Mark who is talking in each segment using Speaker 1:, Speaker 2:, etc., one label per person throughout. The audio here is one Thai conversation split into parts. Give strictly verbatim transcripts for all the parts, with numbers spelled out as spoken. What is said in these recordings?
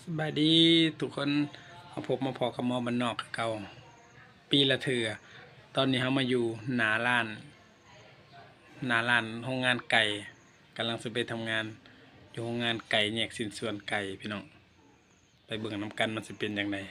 Speaker 1: สบายดีทุกคนมาพบมาพอกับหมอบ้านนอกเก่าปีละเถื่อตอนนี้เขามาอยู่หนาล้านหนาล้านโรงงานไก่กำลังจะไปทำงานอยู่โรงงานไก่แยกสินส่วนไก่พี่น้องไปเบิ่งน้ำกันมันจะเป็นอย่างไร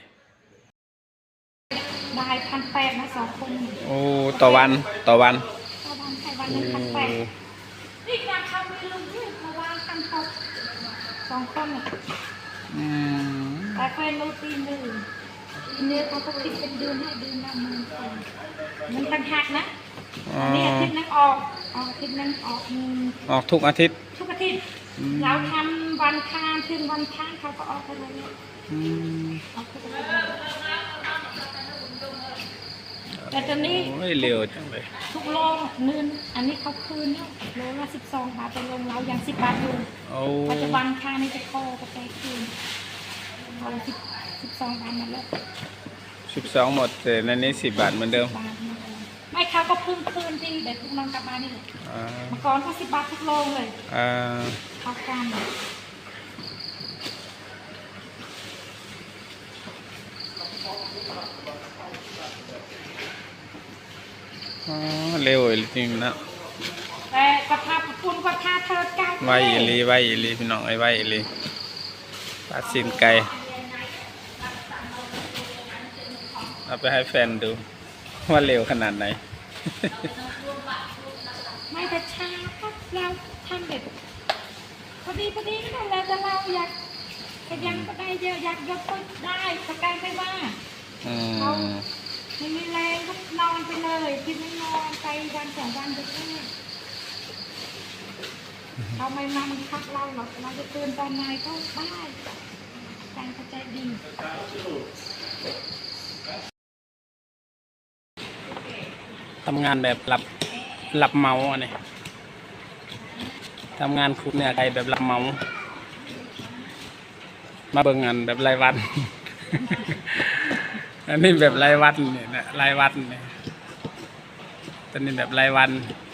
Speaker 2: ได้พันแปดนะสองคน
Speaker 1: โอ้ต่อวันต่อวัน
Speaker 2: ต่อวันใช้วันหนึ่งพันแปดนี่การทำมีลุงที่เพราะว่าพันหกสองคน
Speaker 1: อืม
Speaker 2: แต่เคยรู้ตีหนึ่งตีหนึ่งเขาก็คิดเป็นเดือนให้เดือนละหมื่นคนมันต่างหากนะอันนี้อาทิตย์นึงออกออกอาทิตย์นึงออก
Speaker 1: ออกทุกอาทิตย์
Speaker 2: ทุกอาทิตย์เราทำวันค้างถึงวันค้างเขาก็ออกไปเลยออกไปเลยแต่ตอนนี้
Speaker 1: เร็วจังเลย
Speaker 2: ทุกโลเงินอันนี้เขาคืนเนี่ยโลละสิบสองบาทเป็นโรงเราอย่างสิบบาทอยู่ปัจจุบันค่านี่จะโคก็ไปคืนเอาสิบสิบสองบาทมาแล้ว
Speaker 1: สิบสองหมดแต่ในนี้สิบบาทเหมือนเดิม
Speaker 2: ไม่เขาก็เพิ่มคืนที่เด็กทุกน้องกลับมานี่เมื่อก่อนก็สิบบาททุกโลเลยเขาการ
Speaker 1: เร็วจริงนะ
Speaker 2: แต่กระทาคุณกระทาเธอเก้า
Speaker 1: ไวอีลีไวอีลีพี่น้องไอ้ไวอีลีปลาสินไก่เอาไปให้แฟนดูว่าเร็วขนาดไหน
Speaker 2: ไม่แต่ช้าก็เราทำเด็ดพอดีพอดีนั่นแหละแต่เราอยากขยันก็ได้เยอะอยากยกก็ได้สกายไม่ว่าเราไม่มีแรงก็นอนไปเลยกินไม่นอนไปวันสองวันจะแค่เราไม่มามันพักเราหรอกเราจะตื่นตอนไหนก็ได้ใจเข้าใจดี
Speaker 1: ทำงานแบบหลับหลับเมาเนี่ยทำงานคุกเนี่ยไก่แบบหลับเมามาเบิ่งงานแบบรายวันอันนี้แบบรายวันเนี่ยนะรายวันเนี่ยตอนนี้แบบรายวัน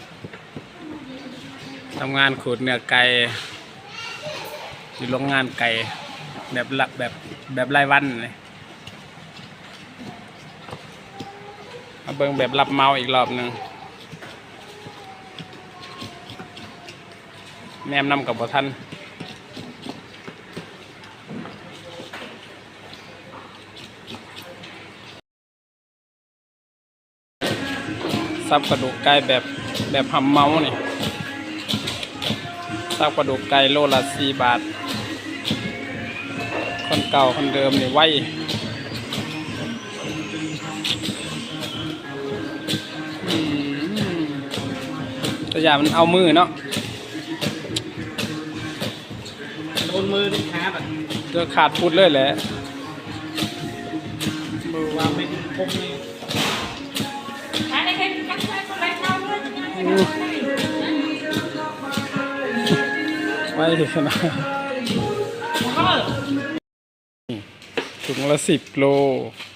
Speaker 1: ทำงานขูดเนื้อไก่อยู่โรงงานไก่แบบหลับแบบแบบรายวันเลยมาเบิ่งแบบรับเมาอีกรอบหนึ่งแม่นำกับบ่ท่านซับกระดูกไก่แบบแบบหำเมาเนี่ยซับกระดูกไก่โลละสี่บาทคนเก่าคนเดิมเนี่ยไว้ตัวอย่างมันเอามือเนาะ
Speaker 3: โดนมือดิขาแบบ
Speaker 1: เจอขาดพุดเลยแหละ
Speaker 3: มือวางไม่คมเลย
Speaker 2: อะไรกันกันใช้คนไรเท่าเลย
Speaker 1: ไม่ถึงขนาดถุงละสิบโล